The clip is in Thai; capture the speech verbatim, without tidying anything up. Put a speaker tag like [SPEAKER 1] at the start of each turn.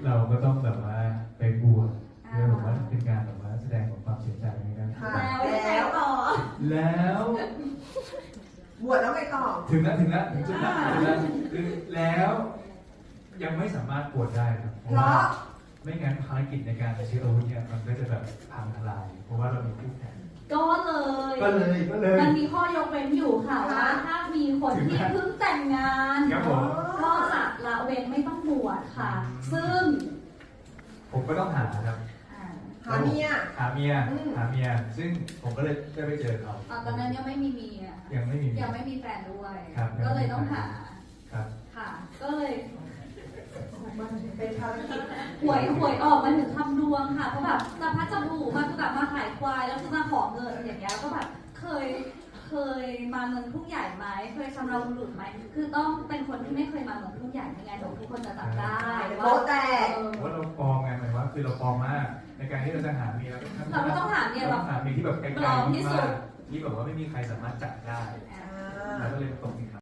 [SPEAKER 1] เราก็ต้องแบบว่าไปบวชเพื่อแบบว่าเป็นการแบบว่าแสดงของความเสียใจนะครับ
[SPEAKER 2] แล้วแล้วต่อ
[SPEAKER 1] แล้ว
[SPEAKER 2] บวชแล้วไงต่อ
[SPEAKER 1] ถึงแล้วถึงแล้วถึงจุดนั้นถึงแล้วคือแล้วยังไม่สามารถบวชได้ครับเพราะว่าไม่งั้นภารกิจในการซื้ออาวุธเนี่ยมันก็จะแบบพังทลายเพราะว่าเรามีคู่แข่ง
[SPEAKER 3] ก็เลย
[SPEAKER 1] ก็เลยก็เลย
[SPEAKER 3] มันมีข้อยกเว้นอยู่ค่ะว่าถ้ามีคนที่เพิ่งแต่งงาน
[SPEAKER 1] ครับผม
[SPEAKER 3] ก็จะละเว้นไม่ต้องบวชค่ะ ซึ่ง
[SPEAKER 1] ผมก็ต้องหาครับ
[SPEAKER 3] อ่า
[SPEAKER 2] หาเมีย
[SPEAKER 1] หาเมียหาเมียซึ่งผมก็เลยได้ไปเจอเขา
[SPEAKER 3] ตอนนั้นยังไม่มีเมีย
[SPEAKER 1] ยังไม่มี
[SPEAKER 3] ยังไม่มีแฟนด้วย
[SPEAKER 1] ครับ
[SPEAKER 3] ก็เลยต้องหา
[SPEAKER 1] ครับ
[SPEAKER 3] ค่ะ ก็เลย
[SPEAKER 2] เป็นภารกิจ
[SPEAKER 3] หวยหวยออกมาถึงคำดวงค่ะเพราะแบบจะพัดจะผูมาคือแบบมาขายควายแล้วจะมาขอเงินอย่างเงี้ยก็แบบเคยเคยมาเมืองทุ่งใหญ่ไหมเคยชำเราบุรุษไหมคือต้องเป็นคนที่ไม่เคยมาเมืองทุ่งใหญ่ยังไงเดี๋ยวทุกคนจะจับได้
[SPEAKER 2] โป๊ะแตก
[SPEAKER 3] เออ
[SPEAKER 1] ว่าเราปลอมไงหมายว่าคือเราปลอมมากในการที่เราจะหาเมีย
[SPEAKER 3] เราก็ต้องหาเมียแบบ
[SPEAKER 1] หาเมียที่แบบไกล
[SPEAKER 3] ปลอมที่
[SPEAKER 1] ๆ
[SPEAKER 3] สุ
[SPEAKER 1] มา
[SPEAKER 3] ด
[SPEAKER 1] กที่แบบว่าไม่มีใครสามารถจับได้
[SPEAKER 2] อ่า
[SPEAKER 1] เราก็เลยตกนี่ครับ